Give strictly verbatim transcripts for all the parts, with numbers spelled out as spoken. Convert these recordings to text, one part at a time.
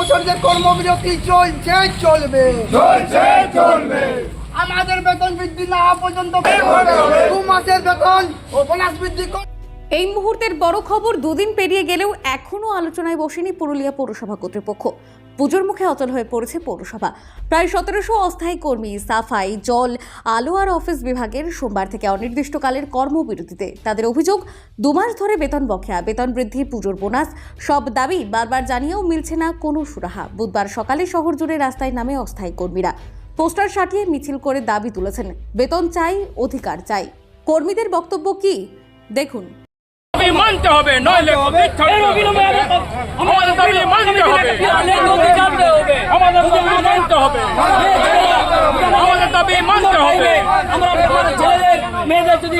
কর্মচারীদের কর্মবিরতি চলছে চলবে চলছে চলবে আমাদের বেতন বৃদ্ধি না হওয়া পর্যন্ত দু মাসের বেতন ও বোনাস বৃদ্ধি কর। এই মুহূর্তের বড় খবর, দুদিন পেরিয়ে গেলেও এখনও আলোচনায় বসেনি পুরুলিয়া পৌরসভা কর্তৃপক্ষ। পুজোর মুখে অচল হয়ে পড়েছে পৌরসভা। প্রায় সতেরোশো অস্থায়ী কর্মী সাফাই, জল, আলো আর অফিস বিভাগের সোমবার থেকে অনির্দিষ্টকালের কর্মবিরতিতে। তাদের অভিযোগ, দু মাস ধরে বেতন বকেয়া, বেতন বৃদ্ধি, পুজোর বোনাস সব দাবি বারবার জানিয়েও মিলছে না কোনো সুরাহা। বুধবার সকালে শহর জুড়ে রাস্তায় নামে অস্থায়ী কর্মীরা। পোস্টার সাটিয়ে মিছিল করে দাবি তুলেছেন, বেতন চাই, অধিকার চাই। কর্মীদের বক্তব্য কি দেখুন। মানতে হবে, নইলে আমাদের দাবি মানতে হবে, আমাদের দাবি মানতে হবে, আমাদের দাবি মানতে হবে। আমরা আমাদের ছেলেদের মেয়েদের যদি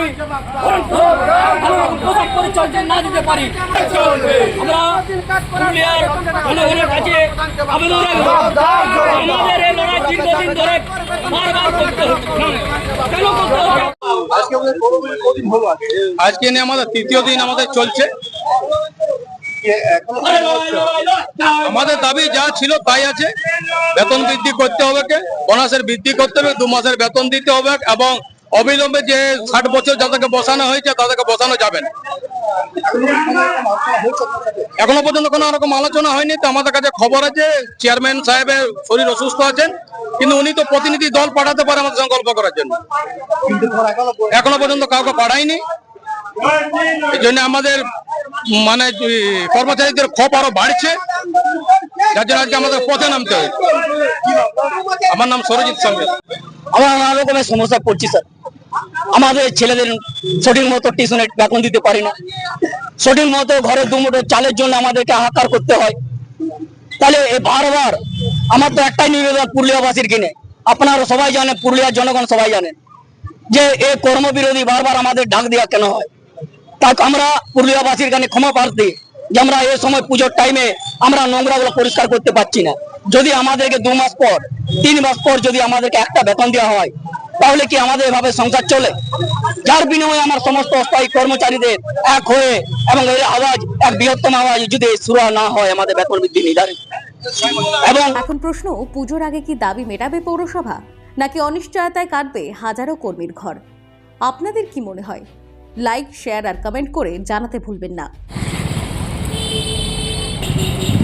পোশাক পরিচর্যা না দিতে পারি, আমরা পুরুলিয়ার জনগণের কাছে আবেদন রাখবো, আমাদের এই লড়াই দীর্ঘদিন ধরে বারবার করতে হচ্ছে। কেন করতে হচ্ছে? আজকে নিয়ে আমাদের তৃতীয় দিন আমাদের চলছে। আমাদের দাবি যা ছিল তাই আছে। বেতন বৃদ্ধি করতে হবে, কে বোনাসের বৃদ্ধি করতে হবে, দু মাসের বেতন দিতে হবে এবং অবিলম্বে যে ষাট বছর যাদেরকে বসানো হয়েছে তাদেরকে বসানো যাবে না। এখনো পর্যন্ত কোনো রকম আলোচনা হয়নি। তো আমাদের কাছে খবর আছে চেয়ারম্যান সাহেবের শরীর অসুস্থ আছেন, কিন্তু উনি তো প্রতিনিধি দল পাঠাতে পারে আমাদের সঙ্গে গল্প করার জন্য, এখনো পর্যন্ত কাউকে পাঠায়নি। এই জন্য আমাদের মানে কর্মচারীদের ক্ষোভ আরো বাড়ছে, যার জন্য আজকে আমাদের পথে নামতে হয়। আমার নাম সরজিৎ সঙ্গে। আমরা নানা রকমের সমস্যা পড়ছি স্যার। আমাদের ছেলেদের সঠিক মতো টিউশনে বেতন দিতে পারি না, সঠিক মতো ঘরে দু মুঠো চালের জন্য আমাদেরকে হাহাকার করতে হয়। তাহলে বারবার আমার তো একটাই নিবেদন পুরুলিয়াবাসীর কিনে, আপনারা সবাই জানেন, পুরুলিয়ার জনগণ সবাই জানেন যে এই কর্মবিরোধী বারবার আমাদের ডাক দেওয়া কেন হয়। তাই আমরা পুরুলিয়াবাসীর কাছে ক্ষমা প্রার্থী যে আমরা এই সময় পুজোর টাইমে আমরা নোংরাগুলো পরিষ্কার করতে পারছি না। যদি আমাদেরকে দু মাস পর, তিন মাস পর যদি আমাদেরকে একটা বেতন দেওয়া হয়, তাহলে কি আমাদের এভাবে সংসার চলে? যার বিনিময়ে আমার সমস্ত অস্থায়ী কর্মচারীদের এক হয়ে এবং এই আওয়াজ এক বৃহত্তম আওয়াজ যদি শুরু না হয় আমাদের বেতন বৃদ্ধি নির্ধারিত। এবং এখন প্রশ্ন, পুজোর আগে কি দাবি মেটাবে পৌরসভা, নাকি অনিশ্চয়তায় কাটবে হাজারো কর্মীর ঘর? আপনাদের কি মনে হয়? লাইক, শেয়ার আর কমেন্ট করে জানাতে ভুলবেন না।